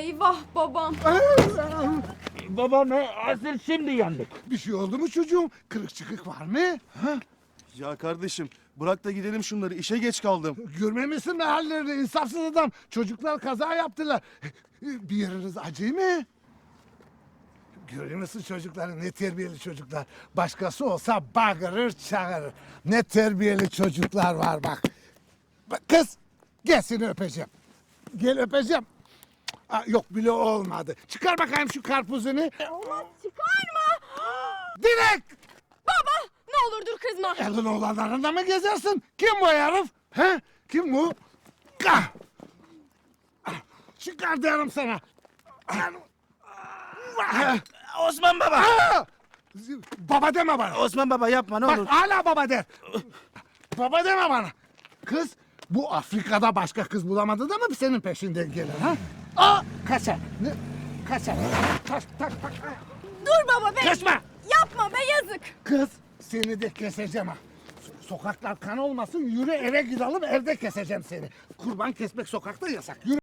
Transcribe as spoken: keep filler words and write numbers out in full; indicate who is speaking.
Speaker 1: Eyvah babam.
Speaker 2: Baba ne? Asıl şimdi yandık.
Speaker 3: Bir şey oldu mu çocuğum? Kırık çıkık var mı? Ha?
Speaker 4: Ya kardeşim bırak da gidelim şunları, işe geç kaldım.
Speaker 3: Görmemişsin mi hallerini, insafsız adam. Çocuklar kaza yaptılar. Bir yeriniz acı mı? Görüyor musun çocukları? Ne terbiyeli çocuklar. Başkası olsa bağırır çağırır. Ne terbiyeli çocuklar var bak. Bak kız, gel seni öpeceğim. Gel öpeceğim. Aa, yok bile olmadı. Çıkar bakayım şu karpuzunu.
Speaker 1: Olmaz, çıkarma.
Speaker 3: Direkt!
Speaker 1: Baba ne olur dur kızma.
Speaker 3: Elin oğlanlarında mı gezersin? Kim bu herif? He? Kim bu? Kah! Çıkar diyorum sana.
Speaker 2: Osman baba.
Speaker 3: Aa! Baba deme bana.
Speaker 2: Osman baba yapma ne
Speaker 3: Bak
Speaker 2: olur.
Speaker 3: hala baba der. Baba deme bana. Kız bu Afrika'da başka kız bulamadı da mı senin peşinden gelir ha? Aa kaçar. Ne? Kaçar. Tak tak tak.
Speaker 1: Dur baba be.
Speaker 3: Kaçma.
Speaker 1: Yapma be yazık.
Speaker 3: Kız seni de keseceğim ha. So- Sokaklar kan olmasın, yürü eve gidelim, evde keseceğim seni. Kurban kesmek sokakta yasak. Yürü.